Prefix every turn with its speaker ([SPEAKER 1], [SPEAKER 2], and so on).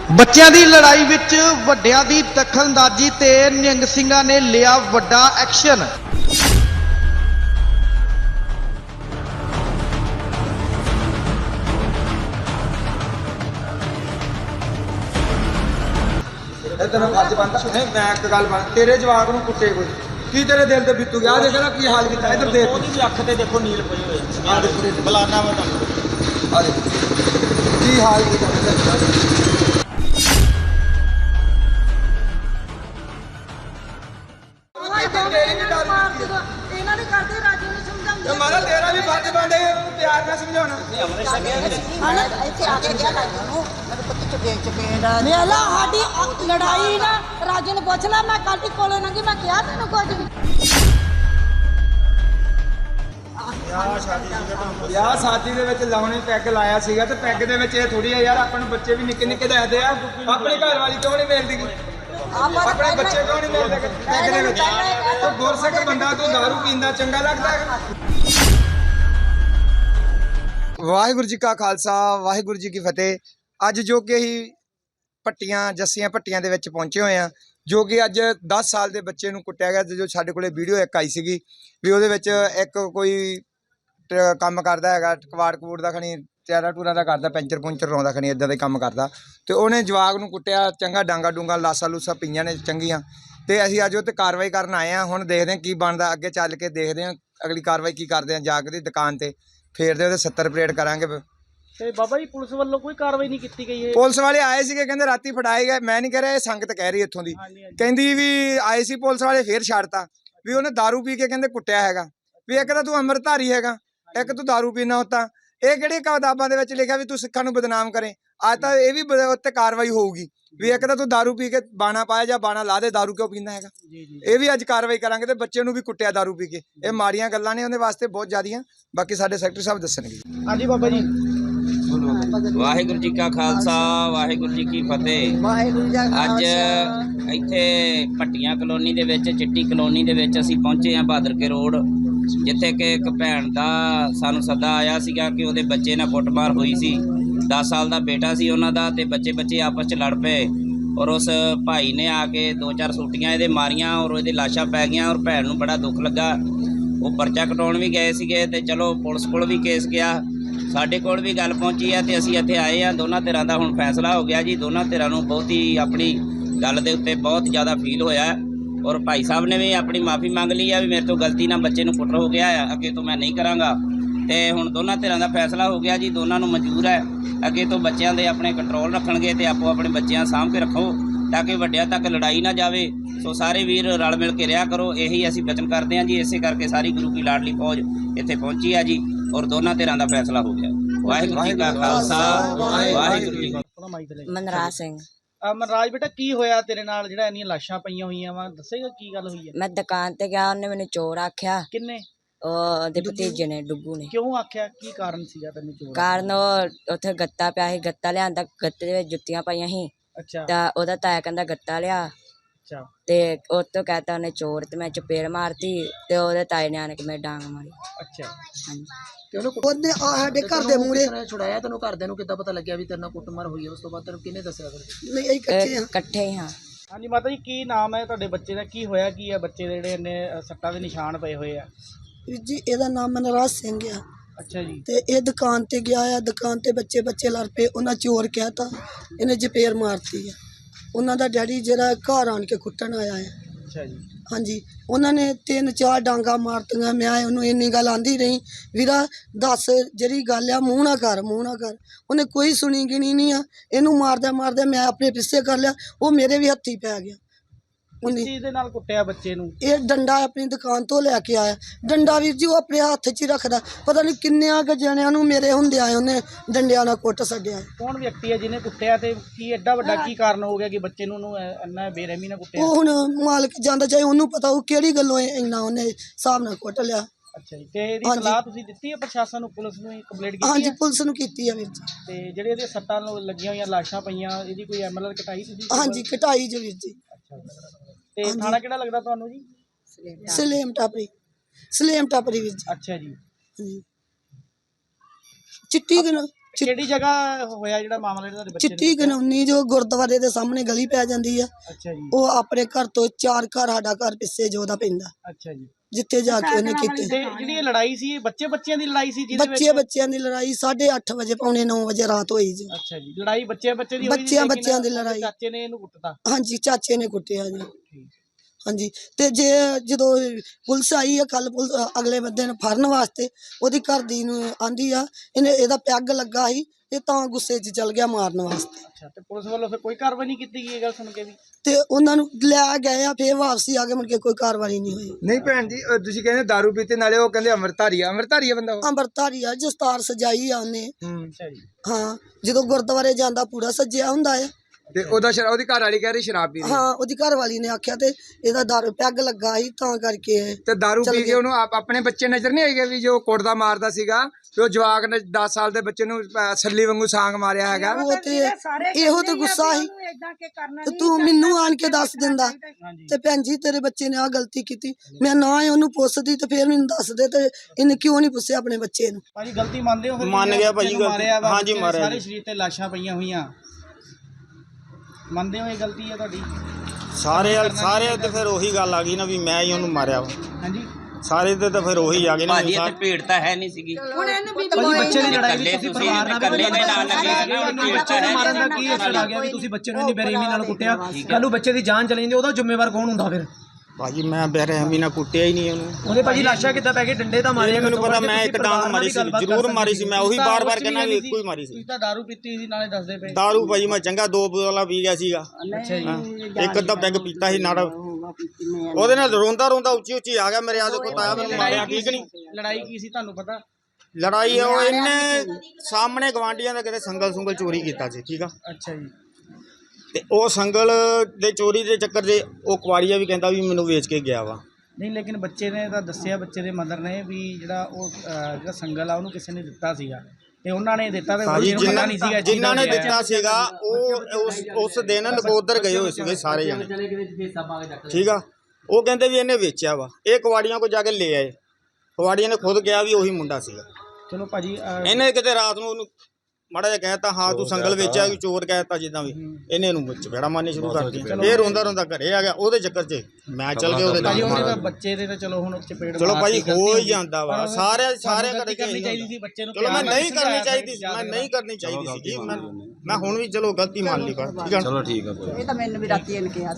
[SPEAKER 1] ਬੱਚਿਆਂ ਦੀ ਲੜਾਈ ਵਿੱਚ ਵੱਡਿਆਂ ਦੀ ਦਖਲਅੰਦਾਜ਼ੀ ਤੇ ਨਿਹੰਗ ਸਿੰਘਾਂ ਨੇ ਲਿਆ ਵੱਡਾ ਐਕਸ਼ਨ।
[SPEAKER 2] ਤੈਨੂੰ ਫਰਜ਼ ਬਣਦਾ ਹੈ। ਮੈਂ ਇੱਕ ਗੱਲ ਬਣ ਤੇਰੇ ਜਵਾਕ ਨੂੰ ਕੁੱਟੇ ਕੋਈ ਕੀ ਤੇਰੇ ਦਿਲ ਤੇ ਬਿੱਤੂ ਗਿਆ ਦੇਖਾ ਨਾ ਕੀ ਹਾਲ ਕੀਤਾ ਇਧਰ ਦੇਖ
[SPEAKER 3] ਉਹਦੀ ਵੀ ਅੱਖ ਤੇ ਦੇਖੋ ਨੀਲ ਪਈ ਹੋਈ
[SPEAKER 2] ਆ ਦੇਖੋ
[SPEAKER 3] ਬਲਾਨਾ ਵਾ ਤੁਹਾਨੂੰ
[SPEAKER 2] ਆ ਦੇਖ ਕੀ ਹਾਲ ਕੀਤਾ
[SPEAKER 4] ਇਹਨਾਂ ਦੇ ਕਰਦੇ ਰਾਜੂ ਨੂੰ ਸਮਝਾਉਂਦੇ
[SPEAKER 2] ਮਾਰਾ ਤੇਰਾ ਵੀ ਫਰਜ਼ ਬਣਦਾ ਪਿਆਰ ਨਾਲ ਸਮਝਾਉਣਾ
[SPEAKER 4] ਇੱਥੇ ਆ ਕੇ ਗਿਆ ਰਾਜੂ ਨੂੰ ਮੇਰੇ ਪੁੱਤ ਚਪੇੜ ਮੇਲਾ ਸਾਡੀ ਲੜਾਈ ਨਾ ਰਾਜੂ ਨੂੰ ਪੁੱਛ ਲੈ ਮੈਂ ਕੱਲ ਕੋਲੋਂ ਲੰਗੀ ਮੈਂ ਕਿਹਾ ਤੈਨੂੰ ਕੁਝ ਵੀ
[SPEAKER 2] ਵਿਆਹ ਸ਼ਾਦੀ ਦੇ ਵਿੱਚ ਲਾਉਣੇ ਪੈਗ ਲਾਇਆ ਸੀਗਾ ਤੇ ਪੈਗ ਦੇ ਵਿੱਚ ਇਹ ਥੋੜੀ ਆ ਯਾਰ ਆਪਾਂ ਨੂੰ ਬੱਚੇ ਵੀ ਨਿੱਕੇ ਨਿੱਕੇ ਦੱਸਦੇ ਆ ਆਪਣੀ ਘਰ ਵਾਲੀ ਕਿਉਂ ਨਹੀਂ ਮਿਲਦੀ ਆਪਣੇ ਬੱਚੇ ਕਿਉਂ ਨਹੀਂ ਮਿਲਦੇ ਪੈਗ ਦੇ ਵਿੱਚ ਤੂੰ ਗੁਰਸਿੱਖ ਬੰਦਾ ਤੂੰ ਦਾਰੂ ਪੀਂਦਾ ਚੰਗਾ ਲੱਗਦਾ ਹੈ। ਵਾਹਿਗੁਰੂ ਜੀ ਕਾ ਖਾਲਸਾ ਵਾਹਿਗੁਰੂ ਜੀ ਕੀ ਫਤਿਹ। ਅੱਜ ਜੋ ਕਿ ਅਸੀਂ ਪੱਟੀਆਂ ਜੱਸੀਆਂ ਪੱਟੀਆਂ ਦੇ ਵਿੱਚ ਪਹੁੰਚੇ ਹੋਏ ਆ ਜੋ ਕਿ ਅੱਜ 10 ਸਾਲ ਦੇ ਬੱਚੇ ਨੂੰ ਕੁੱਟਿਆ ਗਿਆ ਜੋ ਸਾਡੇ ਕੋਲੇ ਵੀਡੀਓ ਇੱਕ ਆਈ ਸੀਗੀ ਵੀ ਉਹਦੇ ਵਿੱਚ ਇੱਕ ਕੋਈ ਕੰਮ ਕਰਦਾ ਹੈਗਾ ਕਵਾੜ ਕਵੂੜ ਦਾ ਖਣੀ ਟਿਆਰਾ ਟੂਰਾ ਦਾ ਕਰਦਾ ਪੈਂਚਰ ਪੁੰਚਰ ਲਾਉਂਦਾ ਖਣੀ ਇੱਦਾਂ ਦਾ ਹੀ ਕੰਮ ਕਰਦਾ ਤੇ ਉਹਨੇ ਜਵਾਕ ਨੂੰ ਕੁੱਟਿਆ ਚੰਗਾ ਡਾਂਗਾ ਡੂੰਗਾ ਲਾਸਾ ਲੂਸਾ ਪਈਆਂ ਨੇ ਚੰਗੀਆਂ ਤੇ ਅਸੀਂ ਅੱਜ ਉਹ 'ਤੇ ਕਾਰਵਾਈ ਕਰਨ ਆਏ ਹਾਂ। ਹੁਣ ਦੇਖਦੇ ਹਾਂ ਕੀ ਬਣਦਾ ਅੱਗੇ ਚੱਲ ਕੇ ਦੇਖਦੇ ਹਾਂ ਅਗਲੀ ਕਾਰਵਾਈ ਕੀ ਕਰਦੇ ਹਾਂ ਜਾ ਕੇ ਦੀ ਦੁਕਾਨ ਤੇ ਫੇਰਦੇ ਉਹਦੇ 70 ਪਲੇਟ ਕਰਾਂਗੇ।
[SPEAKER 3] ਤੇ ਬਾਬਾ ਜੀ ਪੁਲਿਸ ਵੱਲੋਂ ਕੋਈ ਕਾਰਵਾਈ ਨਹੀਂ ਕੀਤੀ ਗਈ ਹੈ।
[SPEAKER 2] ਪੁਲਿਸ ਵਾਲੇ ਆਏ ਸੀਗੇ ਕਹਿੰਦੇ ਰਾਤੀ ਫੜਾਏ ਗਏ ਮੈਂ ਨਹੀਂ ਕਹਿ ਰਿਹਾ ਇਹ ਸੰਗਤ ਕਹਿ ਰਹੀ ਇੱਥੋਂ ਦੀ ਕਹਿੰਦੀ ਵੀ ਆਏ ਸੀ ਪੁਲਿਸ ਵਾਲੇ ਫੇਰ ਛੱਡਤਾ ਵੀ ਉਹਨੇ ਦਾਰੂ ਪੀ ਕੇ ਕਹਿੰਦੇ ਕੁੱਟਿਆ ਹੈਗਾ ਵੀ ਇੱਕ ਤਾਂ ਤੂੰ ਅੰਮ੍ਰਿਤਧਾਰੀ ਹੈਗਾ ਇੱਕ ਤੂੰ ਦਾਰੂ ਪੀਣਾ ਹੁੰਦਾ ਇਹ ਕਿਹੜੀ ਕਿਤਾਬਾਂ ਦੇ ਵਿੱਚ ਲਿਖਿਆ ਵੀ ਤੂੰ ਸਿੱਖਾਂ ਨੂੰ ਬਦਨਾਮ ਕਰੇ ਅੱਜ ਤਾਂ ਇਹ ਵੀ ਉੱਤੇ ਕਾਰਵਾਈ ਹੋਊਗੀ ਵੀ ਇੱਕ ਤਾਂ ਤੂੰ ਦਾਰੂ ਪੀ ਕੇ ਬਾਣਾ ਪਾਇਆ ਜਾਂ ਬਾਣਾ ਲਾ ਦੇ ਦਾਰੂ ਕਿਉਂ ਪੀਂਦਾ ਹੈਗਾ ਇਹ ਵੀ ਅੱਜ ਕਾਰਵਾਈ ਕਰਾਂਗੇ ਤੇ ਬੱਚੇ ਨੂੰ ਵੀ ਕੁੱਟਿਆ ਦਾਰੂ ਪੀ ਕੇ ਇਹ ਮਾੜੀਆਂ ਗੱਲਾਂ ਨੇ ਉਹਦੇ ਵਾਸਤੇ ਬਹੁਤ ਜ਼ਿਆਦੀਆਂ ਬਾਕੀ ਸਾਡੇ ਸੈਕਟਰੀ ਸਾਹਿਬ ਦੱਸਣਗੇ।
[SPEAKER 3] ਹਾਂਜੀ ਬਾਬਾ ਜੀ
[SPEAKER 5] ਵਾਹਿਗੁਰੂ ਜੀ ਕਾ ਖਾਲਸਾ ਵਾਹਿਗੁਰੂ ਜੀ ਕੀ ਫਤਿਹ। ਅੱਜ ਇੱਥੇ ਭੱਟੀਆਂ ਕਲੋਨੀ ਦੇ ਵਿੱਚ ਚਿੱਟੀ ਕਲੋਨੀ ਦੇ ਵਿੱਚ ਅਸੀਂ ਪਹੁੰਚੇ ਹਾਂ ਬਹਾਦਰਕੇ ਰੋਡ ਜਿੱਥੇ ਕਿ ਇੱਕ ਭੈਣ ਦਾ ਸਾਨੂੰ ਸੱਦਾ ਆਇਆ ਸੀਗਾ ਕਿ ਉਹਦੇ ਬੱਚੇ ਨਾਲ ਕੁੱਟਮਾਰ ਹੋਈ ਸੀ। 10 ਸਾਲ ਦਾ ਬੇਟਾ ਸੀ ਉਹਨਾਂ ਦਾ ਤੇ ਬੱਚੇ ਆਪਸ 'ਚ ਲੜ ਪਏ ਔਰ ਉਸ ਭਾਈ ਨੇ ਆ ਕੇ 2-4 ਸੂਟੀਆਂ ਇਹਦੇ ਮਾਰੀਆਂ ਔਰ ਉਹਦੇ ਲਾਸ਼ਾਂ ਪੈ ਗਈਆਂ ਔਰ ਭੈਣ ਨੂੰ ਬੜਾ ਦੁੱਖ ਲੱਗਾ। ਉਹ ਪਰਚਾ ਕਟਾਉਣ ਵੀ ਗਏ ਸੀਗੇ ਤੇ ਚਲੋ ਪੁਲਿਸ ਕੋਲ ਵੀ ਕੇਸ ਗਿਆ ਸਾਡੇ ਕੋਲ ਵੀ ਗੱਲ ਪਹੁੰਚੀ ਹੈ ਤੇ ਅਸੀਂ ਇੱਥੇ ਆਏ ਹਾਂ। ਦੋਨਾਂ ਧਿਰਾਂ ਦਾ ਹੁਣ ਫੈਸਲਾ ਹੋ ਗਿਆ ਜੀ। ਦੋਨਾਂ ਧਿਰਾਂ ਨੂੰ ਬਹੁਤ ਹੀ ਆਪਣੀ ਗੱਲ ਦੇ ਉੱਤੇ ਬਹੁਤ ਜ਼ਿਆਦਾ ਫੀਲ ਹੋਇਆ ਔਰ ਭਾਈ ਸਾਹਿਬ ਨੇ ਵੀ ਆਪਣੀ ਮਾफ़ੀ ਮੰਗ ਲਈ ਆ ਵੀ ਮੇਰੇ ਤੋਂ ਗਲਤੀ ਨਾਲ ਬੱਚੇ ਨੂੰ ਕੁੱਟ ਹੋ ਗਿਆ ਆ ਅੱਗੇ ਤੋਂ ਮੈਂ ਨਹੀਂ ਕਰਾਂਗਾ ਤੇ ਹੁਣ ਦੋਨਾਂ ਧਿਰਾਂ ਦਾ ਫੈਸਲਾ ਹੋ ਗਿਆ ਜੀ। ਦੋਨਾਂ ਨੂੰ ਮਨਜ਼ੂਰ ਹੈ ਅੱਗੇ ਤੋਂ ਬੱਚਿਆਂ ਦੇ ਆਪਣੇ ਕੰਟਰੋਲ ਰੱਖਣਗੇ ਤੇ ਆਪੋ ਆਪਣੇ ਬੱਚਿਆਂ ਸਾਂਭ ਕੇ ਰੱਖੋ ਤਾਂ ਕਿ ਵੱਡਿਆਂ ਤੱਕ ਲੜਾਈ ਨਾ ਜਾਵੇ। ਸੋ ਸਾਰੇ ਵੀਰ ਰਲ ਮਿਲ ਕੇ ਰਿਹਾ ਕਰੋ ਇਹੀ ਅਸੀਂ ਬਚਨ ਕਰਦੇ ਹਾਂ ਜੀ। ਇਸੇ ਕਰਕੇ ਸਾਰੀ ਗੁਰੂ ਕੀ ਲਾਡਲੀ ਫੌਜ ਇੱਥੇ ਪਹੁੰਚੀ ਆ ਜੀ ਔਰ ਦੋਨਾਂ ਧਿਰਾਂ ਦਾ ਫੈਸਲਾ ਹੋ ਗਿਆ। ਵਾਹਿਗੁਰੂ ਜੀ ਕਾ ਖਾਲਸਾ ਵਾਹਿਗੁਰੂ ਜੀ
[SPEAKER 6] ਮਨਰਾਜ ਸਿੰਘ।
[SPEAKER 3] ਮਨਰਾਜ ਬੇਟਾ ਕੀ ਹੋਇਆ ਤੇਰੇ ਨਾਲ ਜਿਹੜਾ ਇੰਨੀਆਂ ਲਾਸ਼ਾਂ ਪਈਆਂ ਹੋਈਆਂ ਵਾ ਦੱਸੇਗਾ ਕੀ ਗੱਲ ਹੋਈ ਹੈ।
[SPEAKER 6] ਮੈਂ ਦੁਕਾਨ ਤੇ ਗਿਆ ਉਹਨੇ ਮੈਨੂੰ ਚੋਰ ਆਖਿਆ
[SPEAKER 3] ਕਿੰਨੇ
[SPEAKER 6] ਉਹਦੇ ਭਤੀਜੇ ਨੇ ਡੁੱਗੂ ਨੇ।
[SPEAKER 3] ਕਿਉਂ ਆਖਿਆ ਕੀ ਕਾਰਨ ਸੀਗਾ ਤੈਨੂੰ ਚੋਰ
[SPEAKER 6] ਕਾਰਨ ਉਹ ਉੱਥੇ ਗੱਤਾ ਪਿਆ ਸੀ ਗੱਤਾ ਲਿਆਂਦਾ ਗੱਤੇ ਦੇ ਵਿੱਚ ਜੁੱਤੀਆਂ ਪਾਈਆਂ ਸੀ
[SPEAKER 3] ਅੱਛਾ
[SPEAKER 6] ਤਾਂ ਉਹਦਾ ਤਾਇਆ ਕਹਿੰਦਾ ਗੱਤਾ ਲਿਆ
[SPEAKER 3] ਅੱਛਾ
[SPEAKER 6] ਤੇ ਉਹ ਤੋਂ ਕਹਿਤਾ ਉਹਨੇ ਚੋਰ ਤੇ ਮੈਂ ਚਪੇੜ ਮਾਰਤੀ ਤੇ ਉਹਦੇ ਤਾਏ ਨੇ ਆਣ ਕੇ ਮੇਰੇ ਡਾਂਗ ਮਾਰੀ।
[SPEAKER 3] ਅੱਛਾ
[SPEAKER 6] ਹਾਂਜੀ
[SPEAKER 7] ਉਹਨੇ ਆ ਸਾਡੇ ਘਰ ਦੇ ਮੂਹਰੇ
[SPEAKER 3] ਛੁਡਾਇਆ ਤੈਨੂੰ ਘਰਦਿਆਂ ਨੂੰ ਕਿੱਦਾਂ ਪਤਾ ਲੱਗਿਆ ਵੀ ਤੇਰੇ ਨਾਲ ਕੁੱਟਮਾਰ ਹੋਈ ਹੈ ਉਸ ਤੋਂ ਬਾਅਦ ਤੈਨੂੰ ਕਿਹਨੇ ਦੱਸਿਆ ਫਿਰ।
[SPEAKER 7] ਨਹੀਂ ਅਸੀਂ ਕੱਚੇ ਆ
[SPEAKER 6] ਇਕੱਠੇ ਹੀ ਹਾਂ।
[SPEAKER 3] ਹਾਂਜੀ ਮਾਤਾ ਜੀ ਕੀ ਨਾਮ ਹੈ ਤੁਹਾਡੇ ਬੱਚੇ ਦਾ ਕੀ ਹੋਇਆ ਕੀ ਹੈ ਬੱਚੇ ਦੇ ਜਿਹੜੇ ਇੰਨੇ ਸੱਟਾਂ ਦੇ ਨਿਸ਼ਾਨ ਪਏ ਹੋਏ ਆ।
[SPEAKER 7] ਵੀਰ ਜੀ ਇਹਦਾ ਨਾਮ ਮਨਰਾਜ ਸਿੰਘ ਆ
[SPEAKER 3] ਅੱਛਾ ਜੀ
[SPEAKER 7] ਤੇ ਇਹ ਦੁਕਾਨ ਤੇ ਗਿਆ ਆ ਦੁਕਾਨ ਤੇ ਬੱਚੇ ਲੜ ਪਏ ਉਹਨਾਂ ਚੋਰ ਕਹਿਤਾ ਇਹਨੇ ਚਪੇੜ ਮਾਰਤੀ ਆ। ਉਹਨਾਂ ਦਾ ਡੈਡੀ ਜਿਹੜਾ ਘਰ ਆਣ ਕੇ ਕੁੱਟਣ ਆਇਆ ਹੈ।
[SPEAKER 3] ਅੱਛਾ ਜੀ
[SPEAKER 7] ਹਾਂਜੀ ਉਹਨਾਂ ਨੇ 3-4 ਡਾਂਗਾ ਮਾਰਤੀਆਂ। ਮੈਂ ਉਹਨੂੰ ਇੰਨੀ ਗੱਲ ਆਂਦੀ ਰਹੀ ਵੀਰਾ ਦੱਸ ਜਿਹੜੀ ਗੱਲ ਆ ਮੂੰਹ ਨਾ ਕਰ ਉਹਨੇ ਕੋਈ ਸੁਣੀ ਗਿਣੀ ਨਹੀਂ ਆ। ਇਹਨੂੰ ਮਾਰਦਾ ਮੈਂ ਆਪਣੇ ਪਿੱਛੇ ਕਰ ਲਿਆ ਉਹ ਮੇਰੇ ਵੀ ਹੱਥੀ ਪੈ ਗਿਆ।
[SPEAKER 3] ਕਿਸ ਚੀਜ਼ ਦੇ ਨਾਲ ਕੁੱਟਿਆ ਬੱਚੇ ਨੂੰ।
[SPEAKER 7] ਇਹ ਡੰਡਾ ਆਪਣੀ ਦੁਕਾਨ ਤੋਂ ਲੈ ਕੇ ਆਇਆ ਡੰਡਾ ਵੀਰ ਜੀ ਉਹ ਆਪਣੇ ਹੱਥ 'ਚ ਹੀ ਰੱਖਦਾ ਪਤਾ ਨਹੀਂ ਕਿੰਨਿਆਂ ਕੁ ਜਣਿਆਂ ਨੂੰ ਮੇਰੇ ਹੁੰਦਿਆਂ ਉਹਨੇ ਡੰਡਿਆਂ ਨਾਲ ਕੁੱਟ ਛੱਡਿਆ।
[SPEAKER 3] ਕੌਣ ਵਿਅਕਤੀ ਹੈ ਜਿਹਨੇ ਕੁੱਟਿਆ ਤੇ ਕੀ ਐਡਾ ਵੱਡਾ ਕੀ ਕਾਰਨ ਹੋ ਗਿਆ ਕਿ ਬੱਚੇ ਨੂੰ ਇੰਨਾ ਬੇਰਹਿਮੀ ਨਾਲ ਕੁੱਟਿਆ।
[SPEAKER 7] ਉਹ ਹੁਣ ਮਾਲਕ ਜਾਂਦਾ ਚਾਹੇ ਉਹਨੂੰ ਪਤਾ ਉਹ ਕਿਹੜੀ ਗੱਲੋਂ ਇੰਨਾ ਉਹਨੇ ਹਿਸਾਬ ਨਾਲ ਕੁੱਟ ਲਿਆ।
[SPEAKER 3] ਅੱਛਾ ਜੀ ਤੇ ਇਹਦੀ ਸਲਾਹ ਤੁਸੀਂ ਦਿੱਤੀ ਹੈ ਪ੍ਰਸ਼ਾਸਨ ਨੂੰ ਪੁਲਿਸ ਨੂੰ ਕੰਪਲੇਂਟ ਕੀਤੀ ਹੈ।
[SPEAKER 7] ਹਾਂਜੀ ਪੁਲਿਸ ਨੂੰ ਕੀਤੀ ਆ ਵੀਰ ਜੀ।
[SPEAKER 3] ਤੇ ਜਿਹੜੇ ਇਹਦੇ ਸੱਟਾਂ ਲੱਗੀਆਂ ਹੋਈਆਂ ਲਾਸ਼ਾਂ ਪਈਆਂ ਇਹਦੀ ਕੋਈ ਐਮਐਲਆਰ ਕਟਾਈ ਤੁਸੀਂ।
[SPEAKER 7] ਹਾਂਜੀ ਕਟਾਈ ਜੀ ਵੀਰ ਜੀ।
[SPEAKER 3] ਤੇ ਥਾਣਾ ਕਿਹੜਾ ਲੱਗਦਾ ਤੁਹਾਨੂੰ ਜੀ।
[SPEAKER 7] ਸਲੇਮ ਟਾਪਰੀ ਵੀਰ ਜੀ।
[SPEAKER 3] ਅੱਛਾ ਜੀ
[SPEAKER 7] ਹਾਂਜੀ ਚਿੱਟੀ
[SPEAKER 3] ਕਿਹੜੀ ਜਗ੍ਹਾ ਹੋਇਆ ਜਿਹੜਾ ਮਾਮਲਾ ਜਿਹੜਾ ਬੱਚੇ
[SPEAKER 7] ਚਿੱਟੀ ਕਲੋਨੀ ਜੋ ਗੁਰਦੁਆਰੇ ਦੇ ਸਾਹਮਣੇ ਗਲੀ ਪੈ ਜਾਂਦੀ ਆ,
[SPEAKER 3] ਅੱਛਾ ਜੀ,
[SPEAKER 7] ਉਹ ਆਪਣੇ ਘਰ ਤੋਂ 4 ਘਰ ਸਾਡਾ ਘਰ ਪਿੱਛੇ ਜੋ ਦਾ ਪੈਂਦਾ,
[SPEAKER 3] ਅੱਛਾ ਜੀ।
[SPEAKER 7] ਜਿੱਥੇ ਜਾ ਕੇ ਉਹਨੇ ਕੀਤੇ।
[SPEAKER 3] ਤੇ ਜਿਹੜੀ ਇਹ ਲੜਾਈ ਸੀ ਇਹ ਬੱਚਿਆਂ ਦੀ ਲੜਾਈ ਸੀ ਜਿਹਦੇ ਵਿੱਚ
[SPEAKER 7] ਬੱਚਿਆਂ ਦੀ ਲੜਾਈ 8:30 ਵਜੇ ਪੌਣੇ 9 ਵਜੇ ਰਾਤ ਹੋਈ ਜੀ।
[SPEAKER 3] ਅੱਛਾ ਜੀ, ਲੜਾਈ ਬੱਚੇ ਦੀ ਹੋਈ ਸੀ,
[SPEAKER 7] ਬੱਚਿਆਂ ਦੀ ਲੜਾਈ।
[SPEAKER 3] ਚਾਚੇ ਨੇ ਇਹਨੂੰ ਕੁੱਟਤਾ।
[SPEAKER 7] ਹਾਂਜੀ, ਚਾਚੇ ਨੇ ਕੁੱਟਿਆ ਜੀ। ਹਾਂਜੀ, ਤੇ ਜਦੋਂ ਪੁਲਿਸ ਆਈ ਆ ਕੱਲ, ਅਗਲੇ ਬੰਦੇ ਨੂੰ ਫੜਨ ਵਾਸਤੇ, ਉਹਦੀ ਘਰ ਦੀ ਨੂੰ ਆਂਦੀ ਆ ਇਹਦਾ ਪੈਗ ਲੱਗਾ ਸੀ, ਇਹ ਤਾਂ ਗੁੱਸੇ 'ਚ ਚਲ ਗਿਆ ਮਾਰਨ ਵਾਸਤੇ।
[SPEAKER 3] ਅੱਛਾ, ਤੇ ਪੁਲਿਸ ਵੱਲੋਂ ਫਿਰ ਕੋਈ ਕਾਰਵਾਈ ਨਹੀਂ ਕੀਤੀ ਗਈ ਇਹ ਗੱਲ ਸੁਣ ਕੇ ਵੀ?
[SPEAKER 7] ਤੇ ਉਹਨਾਂ ਨੂੰ ਲੈ ਗਏ ਆ, ਫੇਰ ਵਾਪਸੀ ਆ ਕੇ ਮੁੜ ਕੇ ਕੋਈ ਕਾਰਵਾਈ ਨਹੀਂ ਹੋਈ।
[SPEAKER 2] ਨਹੀਂ ਭੈਣ ਜੀ, ਤੁਸੀਂ ਕਹਿੰਦੇ ਦਾਰੂ ਪੀਤੇ, ਨਾਲੇ ਉਹ ਕਹਿੰਦੇ ਅੰਮ੍ਰਿਤਧਾਰੀ ਆ ਬੰਦਾ ਉਹ।
[SPEAKER 7] ਅੰਮ੍ਰਿਤਧਾਰੀ ਆ, ਦਸਤਾਰ ਸਜਾਈ ਆ ਉਹਨੇ।
[SPEAKER 3] ਅੱਛਾ ਜੀ।
[SPEAKER 7] ਹਾਂ, ਜਦੋਂ ਗੁਰਦੁਆਰੇ ਜਾਂਦਾ ਪੂਰਾ ਸੱਜਿਆ ਹੁੰਦਾ ਆ।
[SPEAKER 2] ਤੇ ਉਹਦੀ ਘਰ ਵਾਲੀ ਕਹਿ ਰਹੀ ਸ਼ਰਾਬ ਪੀ ਰਹੀ।
[SPEAKER 7] ਹਾਂ, ਉਹਦੀ ਘਰ ਵਾਲੀ ਨੇ ਆਖਿਆ ਤੇ ਇਹਦਾ ਦਾਰੂ ਪੈਗ ਲੱਗਾ ਸੀ ਤਾਂ ਕਰਕੇ।
[SPEAKER 2] ਤੇ ਦਾਰੂ ਪੀ ਕੇ ਉਹਨੂੰ ਆਪਣੇ ਬੱਚੇ ਨਜ਼ਰ ਨਹੀਂ ਆਏਗਾ ਵੀ ਜੋ ਕੁੱਟਦਾ ਮਾਰਦਾ ਸੀਗਾ, ਤੇ ਉਹ ਜਵਾਕ ਨੇ 10 ਸਾਲ ਦੇ ਬੱਚੇ ਨੂੰ ਸੱਲੀ ਵਾਂਗੂ ਸਾਂਗ ਮਾਰਿਆ ਹੈਗਾ।
[SPEAKER 7] ਉਹ ਤੇ ਇਹੋ ਤੇ ਗੁੱਸਾ ਸੀ, ਤੇ ਤੂੰ ਮੈਨੂੰ ਆਣ ਕੇ ਦੱਸ ਦਿੰਦਾ ਤੇ ਭੈਣ ਜੀ ਤੇਰੇ ਬੱਚੇ ਨੇ ਆਹ ਗਲਤੀ ਕੀਤੀ, ਮੈਂ ਨਾ ਉਹਨੂੰ ਪੁੱਛਦੀ ਤੇ ਫੇਰ ਮੈਨੂੰ ਦੱਸ ਦੇ, ਤੇ ਇਹਨੇ ਕਿਉਂ ਨਹੀਂ ਪੁੱਛਿਆ ਆਪਣੇ ਬੱਚੇ ਨੂੰ।
[SPEAKER 3] ਭਾਜੀ ਗਲਤੀ ਮੰਨਦੇ ਹੋ?
[SPEAKER 8] ਮੰਨ ਗਿਆ ਭਾਜੀ, ਹਾਂਜੀ ਮਾਰਿਆ।
[SPEAKER 3] ਸਾਰੇ ਸਰੀਰ ਤੇ ਲਾਸ਼ਾਂ ਪਈਆਂ ਹੋਈਆਂ, ਮੰਨਦੇ ਹੋ ਇਹ ਗਲਤੀ ਹੈ ਤੁਹਾਡੀ?
[SPEAKER 8] ਸਾਰੇ ਤੇ ਫਿਰ ਉਹੀ ਗੱਲ ਆ ਗਈ ਨਾ ਵੀ ਮੈਂ ਹੀ ਉਹਨੂੰ ਮਾਰਿਆ ਵਾ।
[SPEAKER 3] ਹਾਂਜੀ,
[SPEAKER 8] ਸਾਰੇ ਤੇ ਤਾਂ ਫਿਰ ਉਹੀ ਆ ਗਏ ਨਾ।
[SPEAKER 5] ਭਾਜੀ ਇੱਥੇ ਭੀੜ ਤਾਂ ਹੈ ਨਹੀਂ ਸੀਗੀ।
[SPEAKER 3] ਭਾਜੀ ਬੱਚੇ ਦੀ ਲੜਾਈ ਵਿੱਚ ਤੁਸੀਂ ਪਰਿਵਾਰ ਨਾਲ
[SPEAKER 5] ਇਕੱਲੇ ਦੇ ਨਾਲ ਲੱਗੇ ਸੀਗੇ,
[SPEAKER 3] ਤੁਹਾਨੂੰ ਬੱਚੇ ਨੂੰ ਮਾਰਨ ਦਾ ਕੀ ਅਸਰ ਆ ਗਿਆ ਵੀ ਤੁਸੀਂ ਬੱਚੇ ਨੂੰ ਇੰਨੀ ਬੇਰਹਿਮੀ ਨਾਲ ਕੁੱਟਿਆ? ਕੱਲ ਨੂੰ ਬੱਚੇ ਦੀ ਜਾਨ ਚਲੀ ਜਾਂਦੀ, ਉਹਦਾ ਜ਼ਿੰਮੇਵਾਰ ਕੌਣ ਹੁੰਦਾ ਫਿਰ?
[SPEAKER 8] ਭਾਜੀ ਮੈਂ ਬੇਰਹਿਮੀ ਨਾਲ ਕੁੱਟਿਆ ਹੀ ਨਹੀਂ ਉਹਨੂੰ।
[SPEAKER 3] ਉਹਦੇ ਭਾਜੀ ਲਾਸ਼ਾਂ ਕਿੱਦਾਂ ਪੈ ਗਏ? ਡੰਡੇ ਤਾਂ ਮਾਰੇ?
[SPEAKER 8] ਮੈਨੂੰ ਪਤਾ, ਮੈਂ ਇੱਕ ਡਾਂਗ ਮਾਰੀ ਸੀ, ਜ਼ਰੂਰ ਮਾਰੀ ਸੀ, ਮੈਂ ਉਹੀ ਬਾਰ-ਬਾਰ ਕਹਿੰਦਾ ਵੀ ਇੱਕੋ ਹੀ ਮਾਰੀ ਸੀ।
[SPEAKER 3] ਤੁਸੀਂ ਤਾਂ ਦਾਰੂ ਪੀਤੀ ਸੀ ਨਾਲੇ ਦੱਸਦੇ ਪਏ।
[SPEAKER 8] ਦਾਰੂ ਭਾਜੀ ਮੈਂ ਚੰਗਾ 2 ਬੋਤਲਾਂ ਪੀ ਗਿਆ ਸੀਗਾ।
[SPEAKER 3] ਅੱਛਾ ਜੀ।
[SPEAKER 8] ਇੱਕ ਅੱਧਾ ਪੈਗ ਪੀਤਾ ਸੀ ਨਾਲ, ਉਹਦੇ ਨਾਲ ਰੋਂਦਾ ਉੱਚੀ ਆ ਗਿਆ ਮੇਰੇ ਹੱਥ ਕੋਲ ਆਇਆ, ਮੈਨੂੰ ਮਾਰਿਆ। ਠੀਕ ਨਹੀਂ,
[SPEAKER 3] ਲੜਾਈ ਕੀ ਸੀ ਤੁਹਾਨੂੰ ਪਤਾ?
[SPEAKER 8] ਲੜਾਈ ਉਹ ਇਹਨੇ ਸਾਹਮਣੇ ਗਵਾਂਢੀਆਂ ਦਾ ਕਿਤੇ ਸੰਗਲ ਚੋਰੀ ਕੀਤਾ ਸੀ। ਠੀਕ ਆ,
[SPEAKER 3] ਅੱਛਾ ਜੀ।
[SPEAKER 8] ਤੇ ਉਹ ਸੰਗਲ ਦੇ ਚੋਰੀ ਦੇ ਚੱਕਰ 'ਚ ਉਹ ਕੁਆੜੀਆ ਵੀ ਕਹਿੰਦਾ ਵੀ ਮੈਨੂੰ ਵੇਚ ਕੇ ਗਿਆ ਵਾ।
[SPEAKER 3] ਨਹੀਂ, ਲੇਕਿਨ ਬੱਚੇ ਨੇ ਤਾਂ ਦੱਸਿਆ, ਬੱਚੇ ਦੇ ਮਦਰ ਨੇ ਵੀ ਜਿਹੜਾ ਸੰਗਲ ਆ ਉਹਨੂੰ ਕਿਸੇ ਨੇ ਦਿੱਤਾ ਸੀਗਾ, ਤੇ ਉਹਨਾਂ ਨੇ ਦਿੱਤਾ ਤੇ
[SPEAKER 8] ਭਾਜੀ
[SPEAKER 3] ਪਤਾ ਨਹੀਂ ਸੀਗਾ
[SPEAKER 8] ਜਿਨ੍ਹਾਂ ਨੇ ਦਿੱਤਾ ਸੀਗਾ ਉਹ ਉਸ ਦਿਨ ਨਕੋਦਰ ਗਏ ਹੋਏ ਸੀਗੇ ਸਾਰੇ ਜਣੇ। ਠੀਕ ਆ, ਉਹ ਕਹਿੰਦੇ ਵੀ ਇਹਨੇ ਵੇਚਿਆ ਵਾ। ਇਹ ਕੁਆੜੀਆਂ ਕੋ ਜਾ ਕੇ ਲੈ ਆਏ, ਕੁਆੜੀਆਂ ਨੇ ਖੁਦ ਕਿਹਾ ਵੀ ਉਹੀ ਮੁੰਡਾ ਸੀਗਾ।
[SPEAKER 3] ਚਲੋ ਭਾਜੀ,
[SPEAKER 8] ਇਹਨੇ ਕਿਤੇ ਰਾਤ ਨੂੰ ਉਹਨੂੰ ਮਾੜਾ ਜਿਹਾ ਕਹਿਤਾ, ਹਾਂ ਤੂੰ ਸੰਗਲ ਵੇਚਿਆ, ਵੀ ਚੋਰ ਕਹਿਤਾ ਜਿੱਦਾਂ ਵੀ, ਇਹਨੇ ਇਹਨੂੰ ਚਪੇੜਾ ਮਾਰਨੀ ਸ਼ੁਰੂ ਕਰਤੀ। ਇਹ ਰੋਂਦਾ ਘਰੇ ਆ ਗਿਆ, ਉਹਦੇ ਚੱਕਰ 'ਚ ਮੈਂ ਚੱਲ ਗਿਆ ਉਹਦੇ
[SPEAKER 3] ਭਾਜੀ ਉਹਦੇ ਤਾਂ
[SPEAKER 8] ਨਾਲ।
[SPEAKER 3] ਬੱਚੇ ਦੇ ਤਾਂ ਚਲੋ ਹੁਣ ਚਪੇੜ
[SPEAKER 8] ਚਲੋ ਭਾਜੀ ਹੋ ਹੀ ਜਾਂਦਾ ਵਾ, ਸਾਰੇ ਘਰੇ
[SPEAKER 3] ਕਰਨੀ ਚਾਹੀਦੀ ਸੀ ਬੱਚੇ ਨੂੰ।
[SPEAKER 8] ਚਲੋ ਮੈਂ ਨਹੀਂ ਕਰਨੀ ਚਾਹੀਦੀ ਸੀਗੀ, ਮੈਂ ਹੁਣ ਵੀ ਚਲੋ ਗਲਤੀ ਮੰਨ ਲਈ। ਠੀਕ ਆ,
[SPEAKER 4] ਇਹ ਤਾਂ ਮੈਨੂੰ ਵੀ ਰਾਤੀ ਇਹਨੇ ਕਿਹਾ।